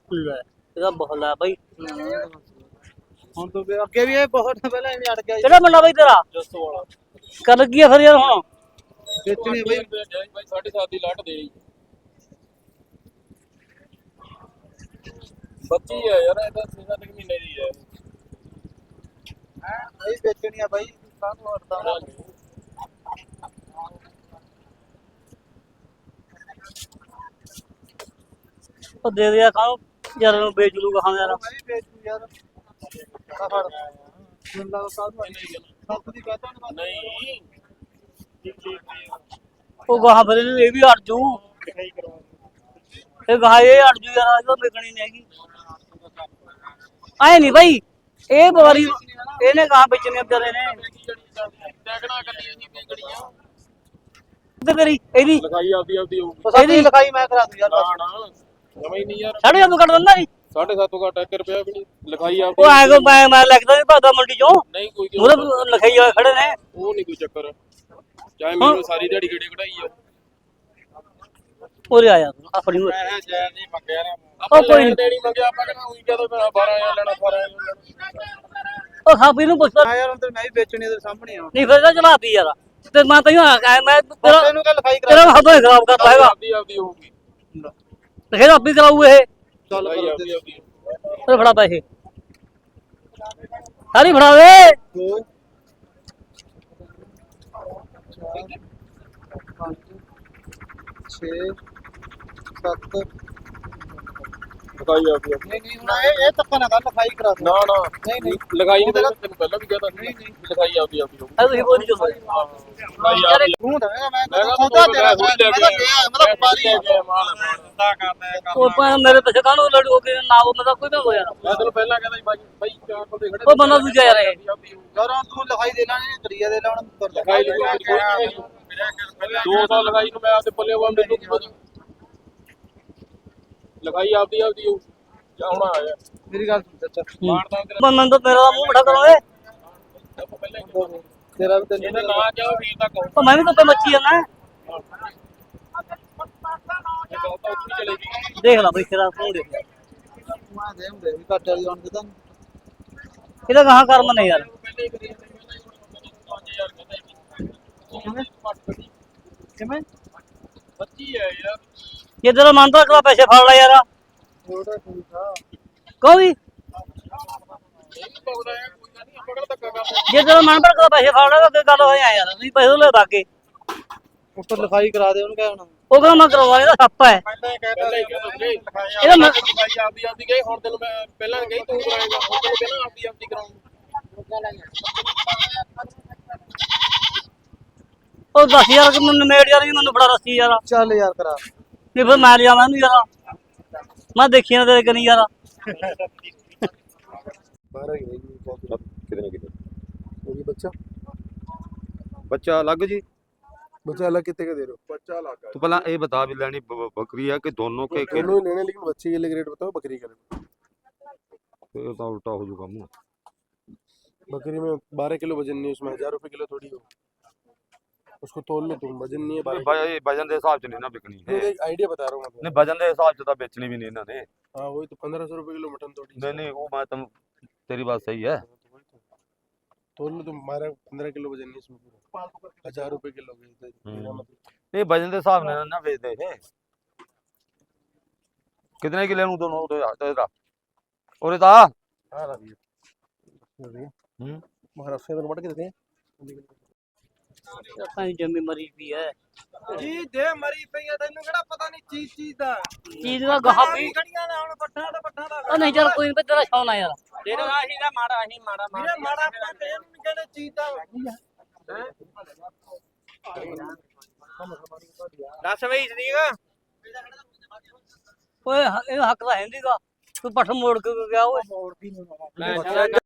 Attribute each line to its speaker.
Speaker 1: ਲੈ ਇਹਦਾ ਬਹੁਤ ਲੈ ਬਾਈ।
Speaker 2: ਹੁਣ ਤੂੰ ਅੱਗੇ ਵੀ ਇਹ ਬਹੁਤ ਪਹਿਲਾਂ ਐਵੇਂ ਅੜ ਗਿਆ
Speaker 1: ਕਿਹੜਾ ਮੁੰਡਾ ਬਾਈ ਤੇਰਾ?
Speaker 2: ਜੱਸੋ ਵਾਲਾ
Speaker 1: ਕਰ ਕੀ ਆ ਫਿਰ ਯਾਰ ਹੁਣ?
Speaker 2: ਵੇਚਣੀ ਬਈ 7.5 ਦੀ ਲੱਟ ਦੇ ਬੱਚੀ ਹੈ ਯਾਰ ਇਹਦਾ 6 ਮਹੀਨੇ ਦੀ ਹੈ ਬਈ ਵੇਚਣੀ ਆ ਬਾਈ ਕਾਹਨੂੰ ਅੜਦਾ
Speaker 1: ਉਹ ਦੇ ਦਿਆ ਖਾਓ ਯਾਰ ਨੂੰ ਵੇਚ ਲੂਗਾ ਹਾਂ ਯਾਰ।
Speaker 2: ਮੈਂ ਵੀ ਵੇਚੂ ਯਾਰ ਆ ਫੜ ਮੁੰਡਾ ਕਾਹਨੂੰ ਸੱਤ ਦੀ ਕਹਤਾ ਨਹੀਂ
Speaker 1: ਉਹ ਗਾਹਾਂ ਫਿਰ ਇਹ ਵੀ ਅੜ ਜੂ। ਇਹ ਗਾਹ ਇਹ ਅੜ ਜੂ ਯਾਰ ਇਹਦਾ ਵਿਕਣੀ ਨਹੀਂ ਹੈਗੀ। ਆਏ ਨਹੀਂ ਬਾਈ ਇਹ ਬਵਾਰੀ ਇਹਨੇ ਗਾਹਾਂ ਵੇਚਣੇ ਵਿਚਾਰੇ ਨੇ। ਤੇ ਤੇਰੀ ਇਹਦੀ
Speaker 2: ਲਿਖਾਈ ਆਪਦੀ ਇਹਦੀ ਲਿਖਾਈ ਮੈਂ ਕਰਾ ਦੂੰ ਯਾਰ ਨਾ ਨਾ ਜਮਾ ਹੀ ਨਹੀਂ ਯਾਰ
Speaker 1: 7.5 ਕੱਢ ਦਿੰਦਾ ਨਹੀਂ
Speaker 2: 7.5 ਘੱਟ 1 ਰੁਪਿਆ ਵੀ ਨਹੀਂ ਲਿਖਾਈ
Speaker 1: ਉਹ ਐ ਕੋ ਮੈਂ ਲੱਗਦਾ ਨਹੀਂ ਭਾਦਾ ਮੰਡੀ ਚੋਂ
Speaker 2: ਨਹੀਂ ਕੋਈ
Speaker 1: ਉਹਦੇ ਲਿਖਾਈ ਵਾਲੇ ਖੜੇ ਨੇ।
Speaker 2: ਉਹ ਨਹੀਂ ਕੋਈ ਚੱਕਰ ਚਾਹੇ ਮੈਨੂੰ ਸਾਰੀ ਦਿਹਾੜੀ ਗੇੜੇ ਕਢਾਈ ਆ
Speaker 1: ਉਰੇ ਆ ਯਾਰ ਆਪਣੀ ਉਰੇ।
Speaker 2: ਮੈਂ ਜੈ ਨਹੀਂ ਮੰਗਿਆ ਨਾ
Speaker 1: ਉਹ ਕੋਈ ਨਹੀਂ
Speaker 2: ਦੇਣੀ ਮੰਗਿਆ ਆਪਾਂ ਕਹਿੰਦਾ ਉਹੀ ਕਹਦੋ ਮੈਂ 12000 ਲੈਣਾ 12000
Speaker 1: ਉਹ ਖਾਪੀ ਨੂੰ ਪੁੱਛਦਾ
Speaker 2: ਆ ਯਾਰ ਅੰਦਰ ਮੈਂ ਵੀ ਵੇਚਣੀ ਤੇਰੇ ਸਾਹਮਣੇ ਆ
Speaker 1: ਨਹੀਂ ਫਿਰ ਤਾਂ ਚਲਾਤੀ ਯਾਰ ਤੇ ਮੈਂ ਤੈਨੂੰ ਮੈਂ ਤੇਰਾ
Speaker 2: ਤੈਨੂੰ ਕਹ ਲਿਖਾਈ
Speaker 1: ਤੇਰਾ ਹੱਥੋਂ ਹੀ ਖਰਾਬ ਕਰਦਾ ਹੈਗਾ।
Speaker 2: ਆਪਦੀ ਹੋਊਗੀ
Speaker 1: ਤੇ ਫਿਰ ਆਪੀ ਕਰਾਊ ਇਹ।
Speaker 2: ਚੱਲ ਆਪਦੀ
Speaker 1: ਫਿਰ ਫੜਾ ਪੈਸੇ ਸਾਰੀ ਫੜਾ ਦੇ।
Speaker 2: 2 6 7 ਲਿਖਾਈ ਆਪਦੀ ਨਹੀਂ ਨਹੀਂ ਹੁਣ ਇਹ ਧੱਕਾ ਨਾ ਕਰ ਲਿਖਾਈ ਕਰਾ ਨਾ ਨਾ ਨਹੀਂ ਨਹੀਂ ਲਿਖਾਈ ਨਹੀਂ ਤੈਨੂੰ ਪਹਿਲਾਂ ਵੀ ਕਹਤਾ ਨਹੀਂ ਨਹੀਂ ਲਿਖਾਈ ਆਪਦੀ ਹੋਊਗੀ
Speaker 1: ਤੁਸੀਂ ਬੋਲ ਜੋ
Speaker 2: ਤੂੰ ਦਵੇਂਗਾ ਮੈਂ ਸੌਦਾ ਤੇਰਾ ਮੈਂ ਵਪਾਰੀ ਹੈ ਮਾਲ ਸੌਦਾ ਕਰਦਾ
Speaker 1: ਉਹ ਭਾਵੇਂ ਮੇਰੇ ਪੈਸੇ ਕਾਹਨੂੰ ਲੜੂ ਕੇ ਨਾ ਉਹ ਮਤਲਬ ਕੋਈ ਨਾ ਹੋ ਯਾਰ।
Speaker 2: ਮੈਂ ਤੈਨੂੰ ਪਹਿਲਾਂ ਕਹਿੰਦਾ ਸੀ ਬਾਈ ਚਾਰ ਬੰਦੇ ਖੜੇ
Speaker 1: ਉਹ ਬੰਦਾ ਦੂਜਾ ਯਾਰ ਇਹ।
Speaker 2: ਯਾਰ ਹੁਣ ਤੂੰ ਲਿਖਾਈ ਦੇ ਲੈਣੀ ਕਰੀਆ ਦੇ ਲੈਣ ਲਿਖਾਈ ਲਿਖਾਈ 2 ਸਾਲ ਲਗਾਈ ਨੂੰ ਮੈਂ ਆਪਦੇ ਪੱਲੇ ਵਾ ਮੈਨੂੰ ਕੀ ਪਤਾ ਲਿਖਾਈ ਆਪਦੀ ਹੋਊ ਜਾਂ ਹੁਣ ਆਇਆ ਮੇਰੀ ਗੱਲ ਸੁਣ ਚਾਚਾ ਮਾਰਦਾ ਤੇਰਾ
Speaker 1: ਬੰਦਾ ਤਾਂ ਮੇਰਾ ਮੂੰਹ ਬੜਾ ਕਰੋ ਏ।
Speaker 2: ਤੇਰਾ ਵੀ ਤੈਨੂੰ ਨਾ ਕਿਹਾ ਵੀਰ ਦਾ ਕਹੋ
Speaker 1: ਉਹ ਮੈਂ ਵੀ ਤਾਂ ਮੱਛੀ ਆ ਨਾ ਦੇਖ ਲੈ ਬਈ ਤੇਰਾ ਫੋਨ ਦੇਖ ਲੈ।
Speaker 2: ਮੈਂ ਦੇ ਹੁੰਦੇ ਵੀ ਘੱਟ ਵਾਲੀ ਆਉਣ ਦੇ ਤਾਂ
Speaker 1: ਇਹਦਾ ਕਹਾਂ ਕਰਮ ਨੇ ਯਾਰ।
Speaker 2: ਕਿਵੇਂ ਬੱਚੀ ਹੈ ਯਾਰ
Speaker 1: ਜੇ ਤੇਰਾ ਮਨ ਤਾਂ ਅਗਲਾ ਪੈਸੇ ਫੜ ਲੈ ਯਾਰ।
Speaker 2: ਥੋੜਾ ਠੀਕ ਆ
Speaker 1: ਕਹੋ ਵੀ
Speaker 2: ਪਗੜਾ ਹੈ ਕੋਈ ਗੱਲ ਨਹੀਂ ਆਪਾਂ ਕਿਹੜਾ ਧੱਕਾ ਕਰਦੇ
Speaker 1: ਜੇ ਤੇਰਾ ਮਨ ਤਾਂ ਅਗਲਾ ਪੈਸੇ ਫੜ ਲੈ ਤਾਂ ਗੱਲ ਹੋਇਆ ਯਾਰ ਤੁਸੀਂ ਪੈਸੇ ਲੈ ਬਾਗੇ
Speaker 2: ਉੱਪਰ ਲਿਖਾਈ ਕਰਾ ਦੇ ਉਹਨੂੰ ਕਹਿ ਹੁਣ
Speaker 1: ਉਹ ਕਹਿੰਦਾ ਮੈਂ ਕਰਵਾ ਇਹਦਾ ਸੱਪ ਹੈ।
Speaker 2: ਪਹਿਲਾਂ ਹੀ ਕਹਿਤਾ
Speaker 1: ਇਹਦਾ ਮੈਂ
Speaker 2: ਲਿਖਾਈ ਆਪਦੀ ਗਈ ਹੁਣ ਤੈਨੂੰ ਮੈਂ ਪਹਿਲਾਂ ਗਈ ਤੂੰ ਕਰਾਏਗਾ ਹੁਣ ਤੈਨੂੰ ਪਹਿਲਾਂ ਆਪਦੀ ਕਰਾਉਂਗਾ
Speaker 1: ਉਹ 10,000 ਕਿ ਮੈਨੂੰ ਮੇੜ ਯਾਰ ਜੀ ਮੈਨੂੰ ਬੜਾ ਰਸੀ ਯਾਰ।
Speaker 2: ਚੱਲ ਯਾਰ ਕਰਾ
Speaker 1: ਨਹੀਂ ਫਿਰ ਮੈਂ ਲਿਆਵਾਂ ਇਹਨੂੰ ਯਾਰ ਮੈਂ ਦੇਖੀ ਨਾ ਤੇਰੇ ਕਨੀ ਯਾਰ।
Speaker 3: बारह ही रहेगी कितने कितने होगी बच्चा बच्चा अलग जी
Speaker 4: बच्चा अलग कितने का दे रहे हो? बच्चा अलग
Speaker 3: तो पहला ये बता भी लेनी बकरी है कि दोनों के
Speaker 4: दोनों ही लेने लेकिन बच्चे के लिए रेट बताओ बकरी का रेट
Speaker 3: ये तो उल्टा हो चुका मुँह
Speaker 4: बकरी में 12 किलो वजन नहीं है उसमें 1000 रुपए किलो थोड़ी हो उसको तोल लो तुम वजन नहीं है 12
Speaker 3: भाई वजन के हिसाब से नहीं ना बिकनी है
Speaker 4: एक आइडिया बता रहा हूँ मैं
Speaker 3: नहीं वजन के हिसाब से तो बेचनी भी नहीं इन्होंने
Speaker 4: हाँ वही तो 1500 रुपए किलो मटन थोड़ी
Speaker 3: नहीं नहीं वो मैं तुम तेरी बात सही है
Speaker 4: तोल लो तुम हमारा 15 किलो वजन नहीं इसमें पूरा 1000 रुपए किलो मेरा मतलब
Speaker 3: नहीं वजन के हिसाब से ना बेचते थे कितने किलो नू दोनों तो इधर और इधर
Speaker 4: हाँ रही महाराष्ट्र में मटन कितने हैं
Speaker 1: ਸਾਡੀ ਜੰਮੀ ਮਰੀ ਵੀ ਹੈ
Speaker 2: ਜੀ ਦੇ ਮਰੀ ਪਈਆ ਤੈਨੂੰ ਕਿਹੜਾ ਪਤਾ ਨਹੀਂ ਚੀਜ਼ ਦਾ
Speaker 1: ਚੀਜ਼ ਦਾ ਗਾਹ ਵੀ
Speaker 2: ਖੜੀਆਂ ਨੇ ਹੁਣ ਪੱਠਾ ਦਾ
Speaker 1: ਉਹ ਨਹੀਂ ਚੱਲ ਕੋਈ ਨਹੀਂ ਤੇਰਾ ਸ਼ੌਨ ਆ ਯਾਰ।
Speaker 2: ਤੇਰਾ ਆਹੀ ਦਾ ਮਾੜਾ ਵੀਰੇ ਮਾੜਾ ਆਪਾਂ ਤੇ ਨਹੀਂ ਕਹਿੰਦੇ ਚੀਜ਼ ਦਾ ਦੱਸ ਬਈ ਸਦੀਕ
Speaker 1: ਓਏ ਇਹ ਹੱਕ ਤਾਂ ਹੈ ਨਹੀਂਗਾ ਤੂੰ ਪੱਠ ਮੋੜ ਕੇ ਗਿਆ ਓਏ।